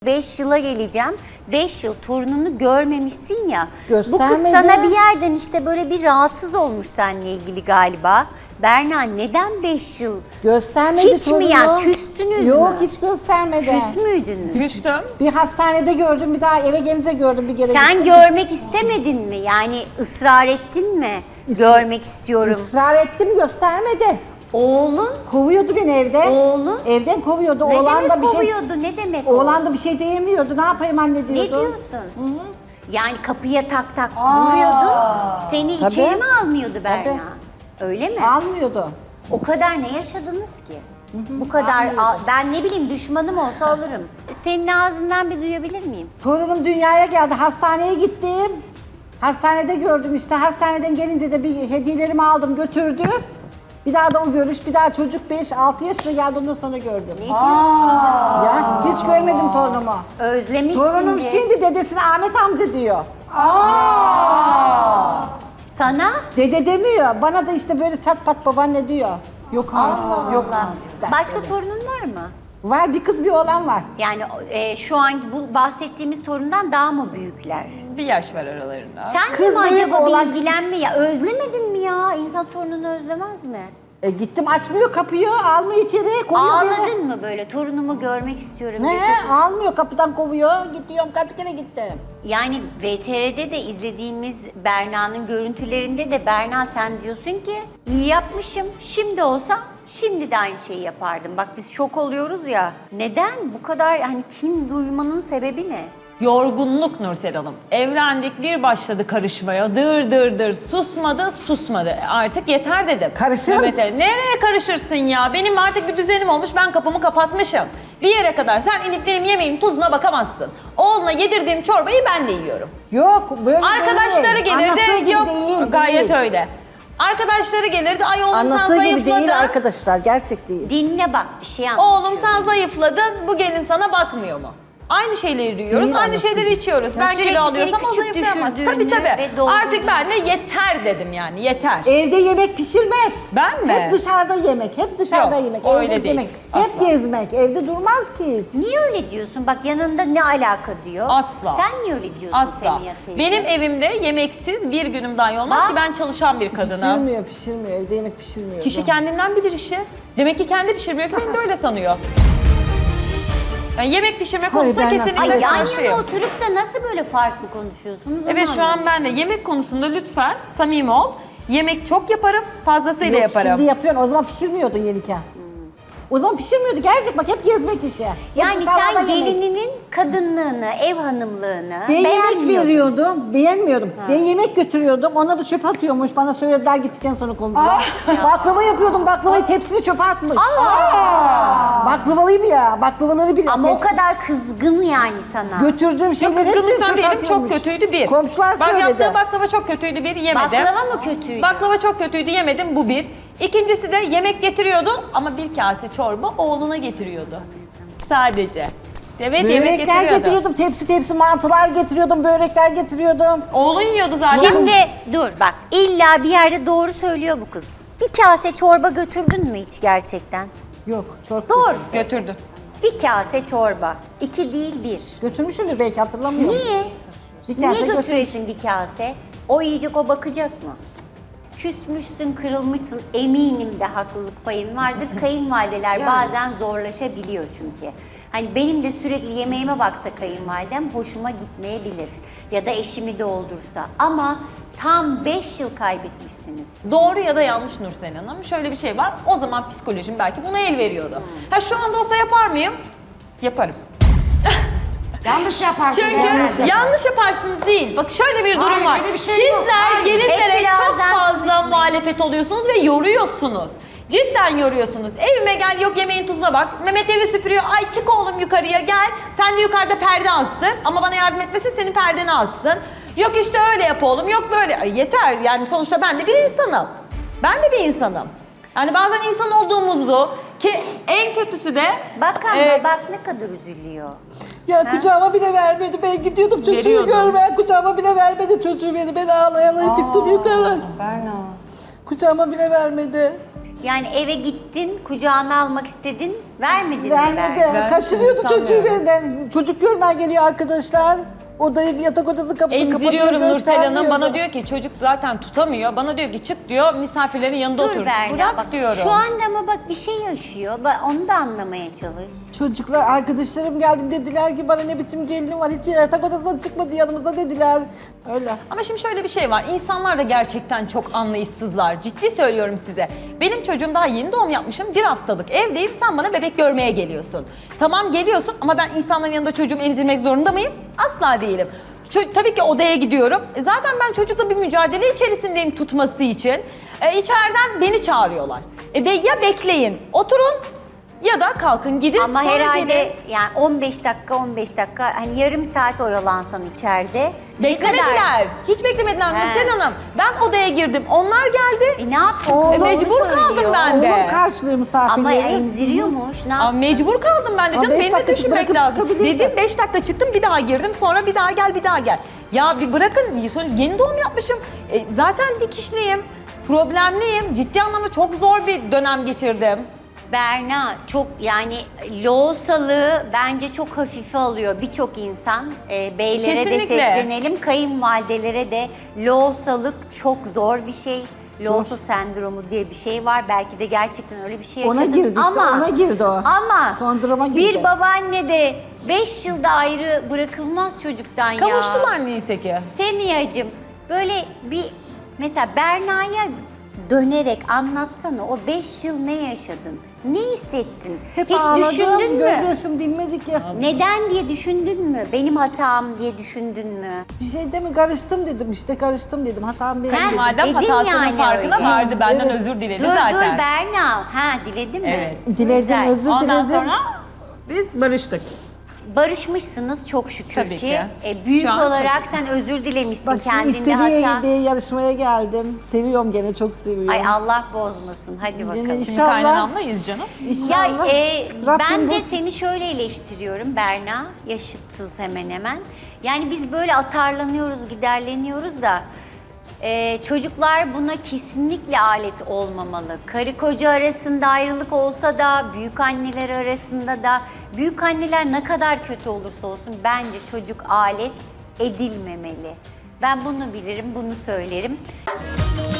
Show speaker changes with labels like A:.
A: 5 yıla geleceğim. 5 yıl torununu görmemişsin ya. Bu kız
B: Göstermedi.
A: sana bir yerden işte böyle bir rahatsız olmuş seninle ilgili galiba. Berna neden 5 yıl?
B: Göstermedi
A: Hiç mi
B: torunu.
A: ya? Küstünüz
B: Yok,
A: mü?
B: hiç göstermedi.
A: Küs müydünüz?
C: Küstüm.
B: Bir hastanede gördüm, bir daha eve gelince gördüm bir kere.
A: Sen
B: gittim.
A: görmek istemedin mi? Yani ısrar ettin mi? Görmek istiyorum.
B: Israr ettim, göstermedi.
A: Oğlun?
B: Kovuyordu beni evde.
A: Oğlun?
B: Evden kovuyordu.
A: Ne
B: Oğlan
A: demek
B: da bir şey
A: kovuyordu? Ne demek o?
B: Oğlan da bir şey diyemiyordu. Ne yapayım anne diyordu.
A: Ne diyorsun? Yani kapıya tak tak vuruyordun. Seni
B: Tabii.
A: içeri mi almıyordu Berna? Öyle mi?
B: Almıyordu.
A: O kadar ne yaşadınız ki? Bu kadar ben ne bileyim düşmanım olsa alırım. Senin ağzından bir duyabilir miyim?
B: Torunum dünyaya geldi. Hastaneye gittim. Hastanede gördüm işte. Hastaneden gelince de bir hediyelerimi aldım götürdüm. Bir daha da o görüş, bir daha çocuk 5-6 yaşına geldi, ondan sonra gördüm.
A: Ne diyorsun?
B: Ya hiç görmedim torunumu.
A: Özlemişsindir.
B: Torunum şimdi dedesine Ahmet amca diyor.
A: Sana?
B: Dede demiyor. Bana da işte böyle çat pat babaanne diyor.
C: Yok
A: Allah
C: Yok.
A: Allah. Başka torunun var mı?
B: Var, bir kız bir oğlan var.
A: Yani şu an bu bahsettiğimiz torundan daha mı büyükler?
C: Bir yaş var aralarında.
A: Sen
B: Kız
A: de mi
B: büyük,
A: acaba
B: oğlan
A: bir ilgilenme ya? Özlemedin mi ya? İnsan torununu özlemez mi?
B: Gittim açmıyor kapıyı, almıyor içeri, koyuyor beni.
A: Ağladın mı böyle torunumu görmek istiyorum diye?
B: Ne?
A: Çok...
B: Almıyor, kapıdan kovuyor. Gidiyorum, kaç kere gittim.
A: Yani VTR'de de izlediğimiz Berna'nın görüntülerinde de Berna sen diyorsun ki iyi yapmışım, şimdi olsam şimdi de aynı şeyi yapardım. Bak biz şok oluyoruz ya. Neden bu kadar hani kin duymanın sebebi ne?
C: Yorgunluk Nursel Hanım. Evlendik, bir başladı karışmaya. Dır dır dır susmadı susmadı. Artık yeter dedim.
B: Karışır
C: Mehmet
B: mısın?
C: Ali, nereye karışırsın ya? Benim artık bir düzenim olmuş, ben kapımı kapatmışım. Bir yere kadar sen inip benim yemeğim tuzuna bakamazsın. Oğluna yedirdiğim çorbayı ben de yiyorum.
B: Yok, böyle
C: Arkadaşları
B: değil. Anlattığı
C: gelirdi,
B: gibi
C: yok
B: değil,
C: gayet
B: değil.
C: öyle. Arkadaşları gelirdi, ay oğlum sen
B: Anlattığı gibi
C: zayıfladın.
B: değil arkadaşlar, gerçek değil.
A: Dinle bak bir şey anlatıyorum.
C: Oğlum sen zayıfladın, bu gelin sana bakmıyor mu? Aynı şeyleri yiyoruz,
B: Değil,
C: aynı
B: anlatıyor.
C: şeyleri içiyoruz. Ben
A: sürekli
C: kilo alıyorsam
A: seni
C: o
A: küçük
C: zayıflayamaz.
A: düşürdüğünü
C: Tabii
A: ve doldurduğunu
C: Artık ben de yeter dedim yani, yeter.
B: Evde yemek pişirmez.
C: Ben mi?
B: Hep dışarıda yemek, hep dışarıda
C: Yok,
B: yemek.
C: öyle
B: Evde
C: değil.
B: yemek. Hep
C: Asla.
B: gezmek, evde durmaz ki hiç.
A: Niye öyle diyorsun? Bak yanında ne alaka diyor.
C: Asla.
A: Sen niye öyle diyorsun
C: Asla.
A: Semiha teyze?
C: Benim evimde yemeksiz bir günüm dahi olmaz
A: Bak.
C: ki ben çalışan bir kadınım.
B: Pişirmiyor. Evde yemek pişirmiyor.
C: Kişi kendinden bilir işi. Demek ki kendi pişirmiyor ki beni de öyle sanıyor. Yani yemek pişirme konusunda
B: ben nasıl-
C: kesinlikle
A: Ay yan yana
C: karşıyım.
A: oturup da nasıl böyle farklı konuşuyorsunuz? onu
C: Evet şu an
A: anlamadım.
C: ben de yemek konusunda lütfen samimi ol. Yemek çok yaparım, fazlasıyla
B: Yok,
C: yaparım.
B: şimdi yapıyorsun. O zaman pişirmiyordun yenirken. O zaman pişirmiyordu. Gerçek bak, hep gezmek işi. Hep
A: Yani
B: dışarıda
A: sen
B: yemek.
A: gelininin kadınlığını, ev hanımlığını
B: Ben yemek
A: beğenmiyordun.
B: veriyordum, beğenmiyordum. Ben yemek götürüyordum, ona da çöpe atıyormuş. Bana söylediler gittikten sonra komşular. Baklava yapıyordum, baklavayı tepsini çöpe atmış. Baklavalıyım ya, baklavaları bile.
A: Ama o kadar kızgın yani sana.
B: Götürdüğüm şeyleri hepsini
C: Kızgınlıktan
B: çöpe
C: değilim, çok
B: atıyormuş.
C: kötüydü bir.
B: Komşular
C: Bak
B: söyledi.
C: yaptığı baklava çok kötüydü bir, yemedim.
A: Baklava mı kötüydü?
C: Baklava çok kötüydü, yemedim, bu bir. İkincisi de yemek getiriyordu ama bir kase çorba oğluna getiriyordu. Sadece. Evet, yemek
B: Börekler
C: getiriyordu.
B: getiriyordum, tepsi mantılar getiriyordum, börekler getiriyordum.
C: Oğlun yiyordu zaten.
A: Şimdi dur bak illa bir yerde doğru söylüyor bu kız. Bir kase çorba götürdün mü hiç gerçekten?
B: Yok, çok
A: Doğru.
C: Götürdü.
A: Bir kase çorba. 2 değil 1.
B: Götürmüşümdür belki, hatırlamıyorum.
A: Niye?
B: Bir
A: Niye
B: kase
A: götüresin bir kase? O yiyecek, o bakacak mı? Küsmüşsün, kırılmışsın. Eminim de haklılık payın vardır. Kayınvalideler bazen zorlaşabiliyor çünkü. Hani benim de sürekli yemeğime baksa kayınvalidem hoşuma gitmeyebilir. Ya da eşimi doldursa. Ama tam 5 yıl kaybetmişsiniz.
C: Doğru ya da yanlış Nursel Hanım. Şöyle bir şey var. O zaman psikolojim belki buna el veriyordu. Ha şu anda olsa yapar mıyım? Yaparım.
D: Yanlış yaparsın.
C: Çünkü
D: herhalde.
C: yanlış yaparsınız değil. Bak şöyle bir durum
D: Hayır,
C: var.
D: öyle bir şey yok.
C: Sizler
D: Hayır.
C: gelinlere
A: Hep birazdan
C: çok fazla
A: konuşmayın.
C: muhalefet oluyorsunuz ve yoruyorsunuz. Cidden yoruyorsunuz. Evime gel, yok yemeğin tuzuna bak. Mehmet evi süpürüyor. Ay çık oğlum yukarıya gel. Sen de yukarıda perde astır. Ama bana yardım etmesin, senin perdeni assın. Yok işte öyle yap oğlum, yok böyle. Ay yeter yani, sonuçta ben de bir insanım. Ben de bir insanım. Yani bazen insan olduğumuzu, ki en kötüsü de
A: Bak ama bak ne kadar üzülüyor.
B: Ya kucağıma bile vermedi. Ben gidiyordum çocuğu
C: Veriyordum.
B: görmeye. Kucağıma bile vermedi çocuğu beni. Ben ağlaya çıktım yukarı.
D: Berna.
B: Kucağıma bile vermedi.
A: Yani eve gittin, kucağına almak istedin, Vermedin mi
B: Vermedi.
A: Berna?
B: Kaçırıyordu çocuğu
C: sanmıyorum.
B: benden. Çocuk görmeye geliyor arkadaşlar. Odayı, yatak odasının kapısını kapatıyor,
C: Emziriyorum Nursel Hanım.
B: göstermiyordu.
C: Bana diyor ki çocuk zaten tutamıyor. Bana diyor ki çık diyor misafirlerin yanında
A: Dur
C: otur.
A: Berna
C: Bırak
A: bak
C: diyorum.
A: şu anda ama bak bir şey yaşıyor. Onu da anlamaya çalış.
B: Çocuklar, arkadaşlarım geldi dediler ki bana ne biçim gelinim var, hiç yatak odasından çıkmadı yanımıza dediler. Öyle.
C: Ama şimdi şöyle bir şey var. İnsanlar da gerçekten çok anlayışsızlar. Ciddi söylüyorum size. Benim çocuğum daha yeni doğum yapmışım. 1 haftalık evdeyim. Sen bana bebek görmeye geliyorsun. Tamam geliyorsun ama ben insanların yanında çocuğumu emzirmek zorunda mıyım? Asla değilim. Tabii ki odaya gidiyorum. Zaten ben çocukla bir mücadele içerisindeyim tutması için. İçeriden beni çağırıyorlar. Ya bekleyin, oturun ya da kalkın gidin.
A: Ama
C: sonra
A: herhalde
C: gelin.
A: yani 15 dakika hani yarım saat oyalansan içeride. ne kadar-
C: Beklemediler. Hiç beklemediler
A: He.
C: Nursel Hanım. Ben odaya girdim. Onlar geldi.
A: Ne yapsın kız doğru
C: mecbur kaldım
A: söylüyor.
C: ben de.
B: Oğlum karşılıyor misafirleri.
A: Ama emziriyormuş ne
C: Aa,
A: yapsın?
C: mecbur kaldım ben de
B: Aa,
C: canım.
B: 5
C: Benim de
B: dakika
C: düşünmek
B: bırakıp
C: lazım.
B: çıkabilirdi.
C: Dedim 5 dakika çıktım bir daha girdim. Sonra bir daha gel bir daha gel. Ya bir bırakın. Sonuç yeni doğum yapmışım. Zaten dikişliyim. Problemliyim. Ciddi anlamda çok zor bir dönem geçirdim.
A: Berna çok yani loğusalığı bence çok hafife alıyor birçok insan. Beylere de
C: Kesinlikle.
A: seslenelim, kayınvalidelere de loğusalık çok zor bir şey. Loğusa sendromu diye bir şey var. Belki de gerçekten öyle bir şey
B: Ona
A: yaşadın.
B: girdi işte,
A: ama,
B: ona girdi o.
A: Ama
B: Son duruma girdi.
A: bir babaanne de 5 yılda ayrı bırakılmaz çocuktan ya.
C: Kavuştular neyse ki.
A: Semiha'cığım böyle bir mesela Berna'ya dönerek anlatsana o 5 yıl ne yaşadın? Ne hissettin?
B: Hep
A: Hiç
B: ağladım,
A: düşündün mü?
B: gözyaşım dinmedi ki.
A: Neden diye düşündün mü? Benim hatam diye düşündün mü?
B: Bir şey de mi karıştım dedim, işte karıştım dedim, hatam benim
A: Ha,
B: dedim.
C: Madem
A: Dedin
C: hatasının
A: yani
C: farkına
A: öyle.
C: vardı. Benden
B: Evet.
C: özür diledi
A: Dur
C: zaten.
A: dur Berna. Ha diledin mi?
C: Evet.
B: Diledim,
A: Güzel.
B: özür
C: Ondan
B: diledim.
C: sonra biz barıştık.
A: Barışmışsınız çok şükür
C: Tabii ki.
A: Büyük
C: Şu an
A: olarak sen özür dilemişsin
B: Bak şimdi
A: kendinde
B: istediği
A: hata.
B: diye yarışmaya geldim. Seviyorum gene, çok seviyorum.
A: Ay Allah bozmasın. Hadi bakalım.
B: Yine
C: Şimdi
B: İnşallah.
C: kaynanamlayız canım.
A: Ya
B: İnşallah.
A: ben
B: Rabbim
A: de
B: bu-
A: seni şöyle eleştiriyorum Berna, yaşıtsız hemen hemen. Yani biz böyle atarlanıyoruz, giderleniyoruz da çocuklar buna kesinlikle alet olmamalı. Karı koca arasında ayrılık olsa da, büyük anneler arasında da, büyük anneler ne kadar kötü olursa olsun bence çocuk alet edilmemeli. Ben bunu bilirim, bunu söylerim.